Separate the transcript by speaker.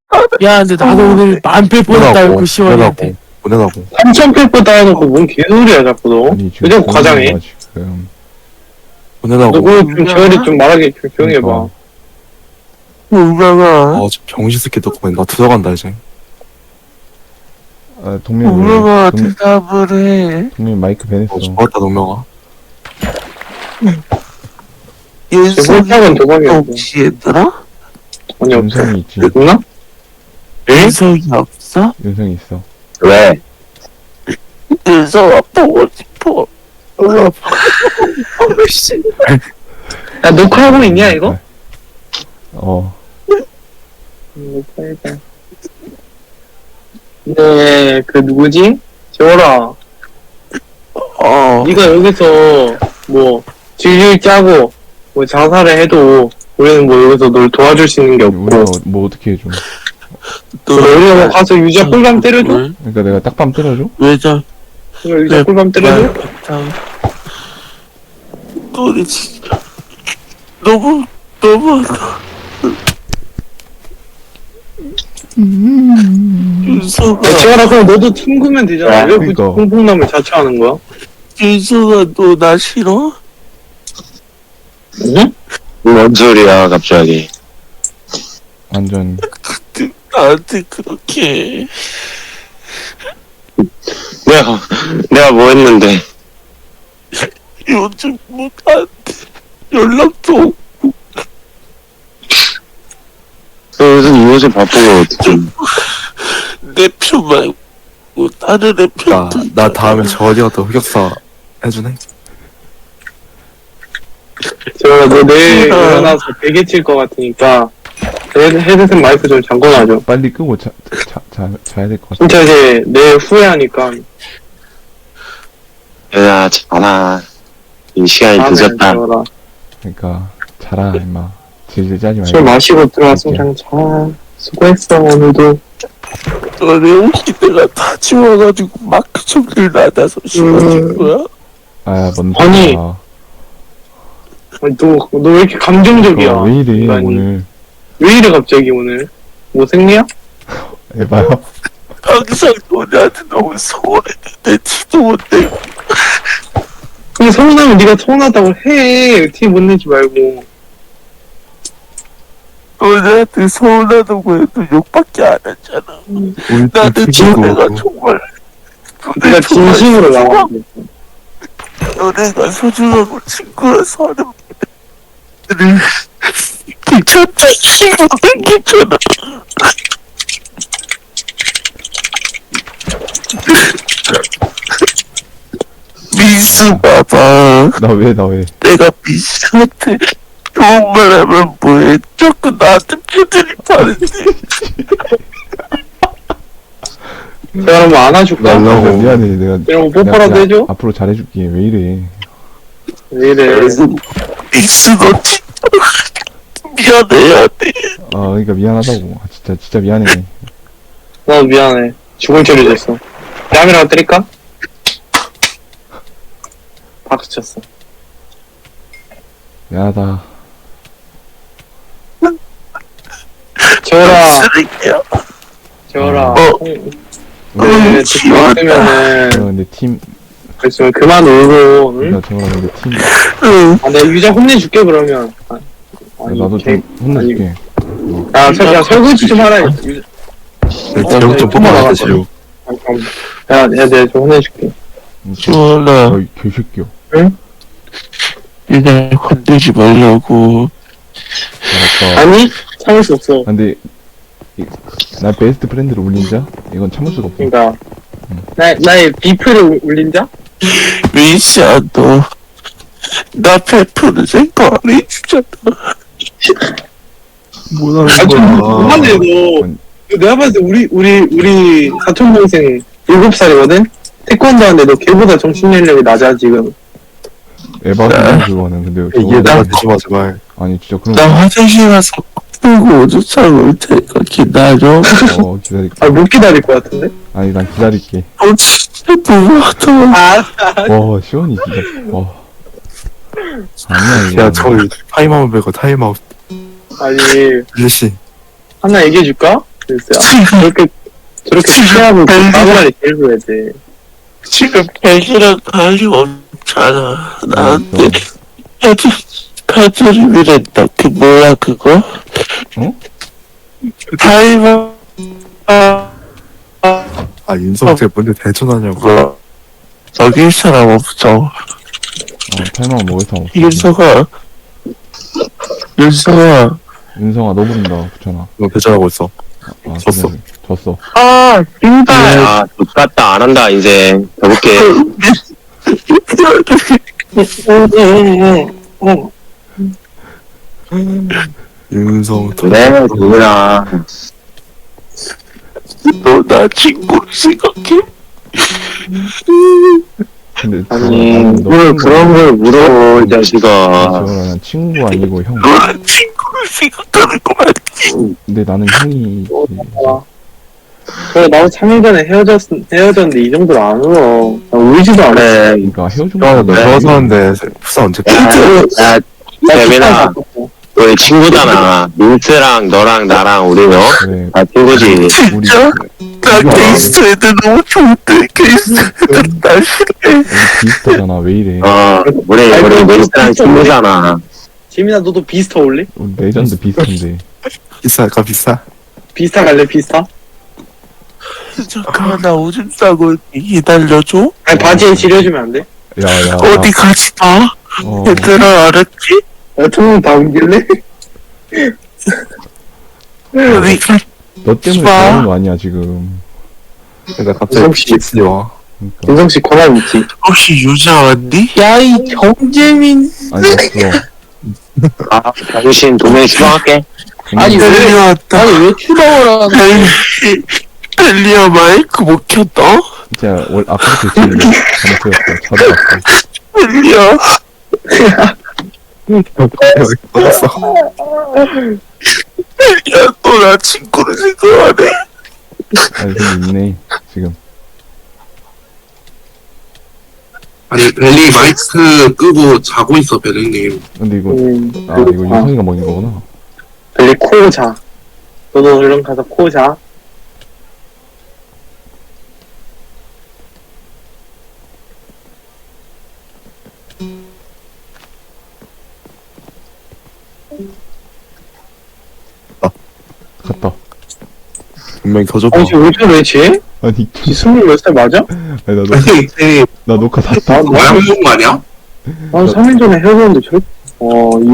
Speaker 1: 야, 근데 나도 오늘 만패 뻔했다, 그 시원이한테.
Speaker 2: 보내라고.
Speaker 3: 3,000페퍼 따여놓고 뭔 개소리야 자꾸 너.
Speaker 4: 아니
Speaker 3: 왜 자꾸 과장해?
Speaker 4: 조용히 해봐, 지금.
Speaker 2: 보내라고.
Speaker 3: 너 그거 좀 재활이 좀 말하게 좀 조용히 해봐.
Speaker 1: 우명아,
Speaker 2: 저 병신 새끼 덕분에 나 들어간다 이제.
Speaker 4: 아, 동민
Speaker 1: 우명아,
Speaker 4: 왜
Speaker 1: 대답을 해.
Speaker 4: 동민 마이크 변했어.
Speaker 2: 좋았다 동명아.
Speaker 1: 윤석이
Speaker 3: 홀짝은 도박이야.
Speaker 1: 혹시 얘들아?
Speaker 3: 아니 없어.
Speaker 4: 윤성이 있지.
Speaker 3: 있나?
Speaker 1: 윤석이 없어?
Speaker 4: 윤성이 있어.
Speaker 3: 왜?
Speaker 1: 윤석아 보고 싶어.
Speaker 3: 야 녹화하고 있냐 이거?
Speaker 4: 어.
Speaker 3: 녹화해봐. 네, 그 누구지? 재월아, 네가 여기서 뭐 질질 짜고 뭐 자살을 해도 우리는 뭐 여기서 널 도와줄 수 있는 게
Speaker 4: 우리가
Speaker 3: 없고.
Speaker 4: 뭐 어떻게 해줘?
Speaker 3: 우리가 뭐 가서 유자 꿀밤 때려줘?
Speaker 4: 그러니까 내가 딱밤 때려줘?
Speaker 1: 왜자?
Speaker 3: 우리가 유자 꿀밤 때려줘?
Speaker 1: 너네 진짜 너무하다. 윤석아,
Speaker 3: 야, 재월아 그럼 너도 튕구면 되잖아. 왜 굳이
Speaker 4: 그러니까.
Speaker 3: 콩콩남을 자처하는 거야?
Speaker 1: 윤석아, 너 나 싫어?
Speaker 3: 응?
Speaker 5: 뭔 소리야 갑자기.
Speaker 4: 완전
Speaker 1: 나한테 그렇게.
Speaker 5: 내가 뭐 했는데.
Speaker 1: 요즘 뭐 나한테 연락도 없고.
Speaker 5: 너 요새 바쁜 거 어떻게?
Speaker 1: 내 편 말고 다른 애 편도
Speaker 2: 나 다음에 저 어디 가서 흑역사 해주네.
Speaker 3: 재월아 너 내일 일어나서 베개 칠 것 같으니까 헤드셋 마이크 좀 잠궈놔줘.
Speaker 4: 빨리 끄고 자야 될 것 같아.
Speaker 3: 진짜 이제 내일 후회하니까.
Speaker 5: 야 자나. 이 시간이
Speaker 3: 다음에
Speaker 5: 늦었다.
Speaker 3: 재월아.
Speaker 4: 그러니까 자라 임마. 질질 짜지
Speaker 3: 술
Speaker 4: 말고.
Speaker 3: 마시고 들어왔으면 그냥 자. 수고했어 오늘도.
Speaker 1: 너네 옷이 내가 다 지워가지고 마크 총들 나다서 씌워준 거야?
Speaker 4: 아, 뭔
Speaker 3: 아니.
Speaker 4: 소리야.
Speaker 3: 아니, 너 왜 이렇게 감정적이야?
Speaker 4: 왜 이래
Speaker 3: 인간이.
Speaker 4: 오늘.
Speaker 3: 왜 이래 갑자기 오늘? 뭐 생리야?
Speaker 4: 에바야.
Speaker 1: 항상 너네한테 너무 서운했는데 티도 못 내고.
Speaker 3: 그럼 서운하면 네가 서운하다고 해. 티 못 내지 말고.
Speaker 1: 너네한테 서운하다고 해도 욕밖에 안 했잖아. 나는 너네가 정말
Speaker 3: 네가 진심으로 나와.
Speaker 1: 너네가 소중하고 친구라서 하는 말들을 귀찮다 싫어 귀찮아. 민수 봐봐.
Speaker 4: 나 왜?
Speaker 1: 내가 민수한테 좋은 말 하면 뭐해. 자꾸 나한테 패들이 파는데.
Speaker 3: 제가 뭐 안아줄까?
Speaker 2: 날라고.
Speaker 4: 미안해 내가.
Speaker 3: 이런 거 뽀뽀라도
Speaker 4: 내가
Speaker 3: 해줘?
Speaker 4: 앞으로 잘해줄게. 왜 이래?
Speaker 3: 왜 이래?
Speaker 1: 민수 너 진짜 미안해야 돼.
Speaker 4: 아 그러니까 미안하다고. 아, 진짜 미안해.
Speaker 3: 나 미안해. 죽을 죄를 졌어. 뺨이라도 때릴까? 박수 쳤어.
Speaker 4: 미안하다.
Speaker 3: 재월아,
Speaker 1: 쓰레기야.
Speaker 3: 재월아.
Speaker 1: 응,
Speaker 3: 듣고 있으면은,
Speaker 4: 내가 근데 팀.
Speaker 3: 그랬으면 그만 울고, 응?
Speaker 4: 나 저거랑 근데 팀.
Speaker 1: 응.
Speaker 3: 아, 내가 유자 혼내줄게, 그러면. 아니,
Speaker 4: 나도
Speaker 3: 개-
Speaker 4: 좀 혼내줄게.
Speaker 3: 야, 설거지 좀 하라.
Speaker 2: 지옥 좀 뽑아라 지옥.
Speaker 3: 야, 내가 좀 혼내줄게.
Speaker 1: 주원아,
Speaker 4: 어이 개새끼야.
Speaker 1: 얘네 건들지 말라고.
Speaker 4: 알았어.
Speaker 3: 아니, 참을 수 없어.
Speaker 4: 근데 나 베스트 프렌드를 울린자? 이건 참을 수가 없어.
Speaker 3: 그니까. 나의 비프를 울린 자?
Speaker 1: 민수야, 너. 나 베프는 생각 안 해주잖아.
Speaker 3: 아, 좀 그만해, 너.
Speaker 4: 아니,
Speaker 3: 내가 봤을 때 우리 사촌동생 7살이거든? 태권도 하는데 너 걔보다 정신연령이 낮아, 지금.
Speaker 4: 에바야 그거는 근데
Speaker 2: 이게 내가 되지 마 제발.
Speaker 4: 아니 진짜 그런
Speaker 1: 나 화장실 가서 풀고 오줌싸고 올 테니까 기다려.
Speaker 4: 거 기다릴게.
Speaker 3: 아, 못 기다릴 것 같은데?
Speaker 4: 아니 난 기다릴게.
Speaker 1: 너 진짜 너무하다.
Speaker 4: 와 시원이 진짜 와. 아니야 이거.
Speaker 2: 야 저기 타임아웃 빼고 타임아웃.
Speaker 3: 아니,
Speaker 2: 일시.
Speaker 3: 하나 얘기해줄까? 그랬어요. 저렇게 피하고 나무라리 데리고 해야 돼.
Speaker 1: 지금 백이랑 관리 없잖아. 나한테 카드림이랬다. 그 뭐야 그거?
Speaker 4: 어?
Speaker 1: 타이머
Speaker 2: 아 윤성 쟤 뭔데 대전하냐고.
Speaker 1: 뭐 저기 사람 없어.
Speaker 4: 탈망 먹을 사람 없어.
Speaker 1: 윤서가
Speaker 4: 윤성아 너 부른다 붙여놔.
Speaker 2: 너 대전하고 있어. 졌어.
Speaker 4: 그래, 졌어.
Speaker 1: 아 신발
Speaker 5: 야, X같다. 안 한다, 이제. 가볼게.
Speaker 2: 윤성
Speaker 5: 네, 누구야.
Speaker 1: 너나 친구 생각해?
Speaker 4: 근데
Speaker 5: 아니,
Speaker 4: 너
Speaker 5: 뭘
Speaker 4: 친구
Speaker 5: 그런 걸 물어, 이 자식아.
Speaker 4: 지원아 친구 아니고 형.
Speaker 1: 너나 친구를 생각하는 거 맞지?
Speaker 4: 근데 나는 형이
Speaker 3: 저 나도 3일 전에 헤어졌는데 이 정도로 안 울어. 나 울지도 않아.
Speaker 5: 그래.
Speaker 4: 그러니까 헤어진
Speaker 2: 야, 너
Speaker 4: 거야.
Speaker 2: 헤어졌는데 푸사 언제
Speaker 5: 야, 재민아, 우리 친구잖아. 민트랑 너랑 나랑 우리 너?
Speaker 4: 그래
Speaker 5: 다 친구지.
Speaker 4: 우리
Speaker 1: 진짜? 나 게이스트 애들 너무 좋은데 게이스트 애들 날 싫어해.
Speaker 4: 비슷하잖아 왜 이래.
Speaker 5: 우리 민트랑 친구잖아.
Speaker 3: 재민아 너도 비스타 올래?
Speaker 4: 우리 레전드 비슷한데.
Speaker 2: 비쌀까 비싸?
Speaker 3: 비스타 갈래 비스타?
Speaker 1: 잠깐만 나 오줌 싸고 기다려줘.
Speaker 3: 아니 바지에 지려주면 안 돼?
Speaker 4: 야야.
Speaker 1: 어디 가지 마. 얘들아 알았지?
Speaker 3: 투명 다 옮길래?
Speaker 1: 어디 가.
Speaker 4: 너 때문에
Speaker 1: 마.
Speaker 4: 그러는 거 아니야 지금.
Speaker 2: 내가 갑자기
Speaker 3: 혹시-
Speaker 2: PX이 와.
Speaker 4: 그러니까.
Speaker 3: 윤성씨 권한 있지?
Speaker 1: 혹시 유자 왔니? 야 이 정재민.
Speaker 4: 아니 없어.
Speaker 5: 아, 당신 도면 수정할게.
Speaker 3: 아니, 왜-
Speaker 1: 벨리 왔다.
Speaker 3: 아니 왜 추방을 하는
Speaker 1: 벨리야 마이크 못 켰다?
Speaker 4: 진짜 아까부터 지금 잘못했어. 찾아봤어.
Speaker 1: 벨리야.
Speaker 2: 어딨어?
Speaker 1: 벨리야 너 나 친구를 생각하네.
Speaker 4: 아니 근데 있네 지금.
Speaker 6: 아니 벨리 마이크 끄고 자고 있어 벨리님.
Speaker 4: 근데 이거 이거 윤성이가 먹인 거구나.
Speaker 3: 빨리 코 자. 너도 얼른 가서 코 자.
Speaker 4: 갔다.
Speaker 2: 분명히 더 줘봐.
Speaker 3: 아니 왜 저래 쟤?
Speaker 4: 아니
Speaker 3: 지 20몇 살 맞아?
Speaker 4: 아니
Speaker 6: 아니
Speaker 4: 나 녹화 다
Speaker 3: 나
Speaker 6: 뭐야 먹은 거 아니야?
Speaker 3: 난 3일 전에 헤어졌는데 저 이